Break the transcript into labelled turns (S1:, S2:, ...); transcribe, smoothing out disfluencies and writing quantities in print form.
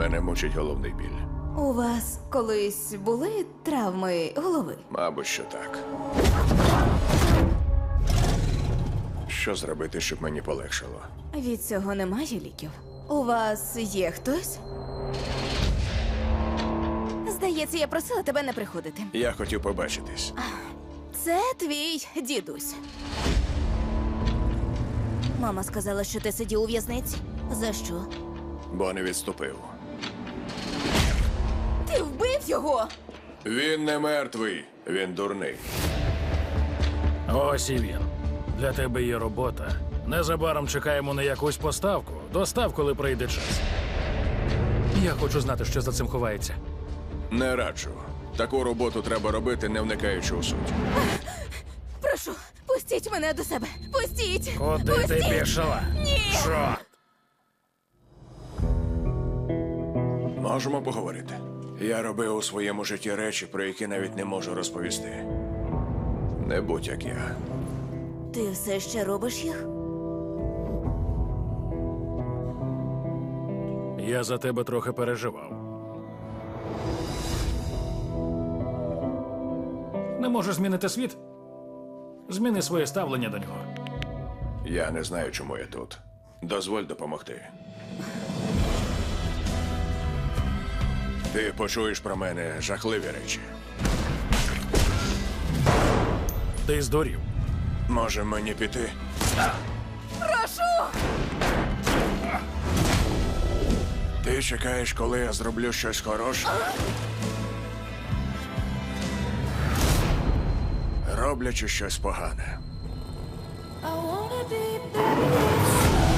S1: Мене мучить головний біль.
S2: У вас колись були травми голови?
S1: Мабуть, що так. Що зробити, щоб мені полегшало?
S2: Від цього немає ліків. У вас є хтось? Здається, я просила тебе не приходити.
S1: Я хотів побачитись.
S2: Це твій дідусь. Мама сказала, що ти сидів у в'язниці. За що?
S1: Бо не відступив.
S2: Ти вбив його!
S1: Він не мертвий, він дурний.
S3: Ось і він. Для тебе є робота. Незабаром чекаємо на якусь поставку. Достав, коли прийде час. Я хочу знати, що за цим ховається.
S1: Не раджу. Таку роботу треба робити, не вникаючи у суть.
S2: Прошу, пустіть мене до себе! Пустіть!
S3: Куди
S2: пустіть!
S3: ти пішла?
S2: Ні!
S3: Чорт!
S1: Можемо поговорити. Я робив у своєму житті речі, про які навіть не можу розповісти. Не будь як я.
S2: Ти все ще робиш їх?
S3: Я за тебе трохи переживав. Не можеш змінити світ? Зміни своє ставлення до нього.
S1: Я не знаю, чому я тут. Дозволь допомогти. Ти почуєш про мене жахливі речі.
S3: Ти здурів.
S1: Може мені піти?
S2: Прошу!
S1: Ти чекаєш, коли я зроблю щось хороше? Роблячи щось погане.
S2: I wanna be back.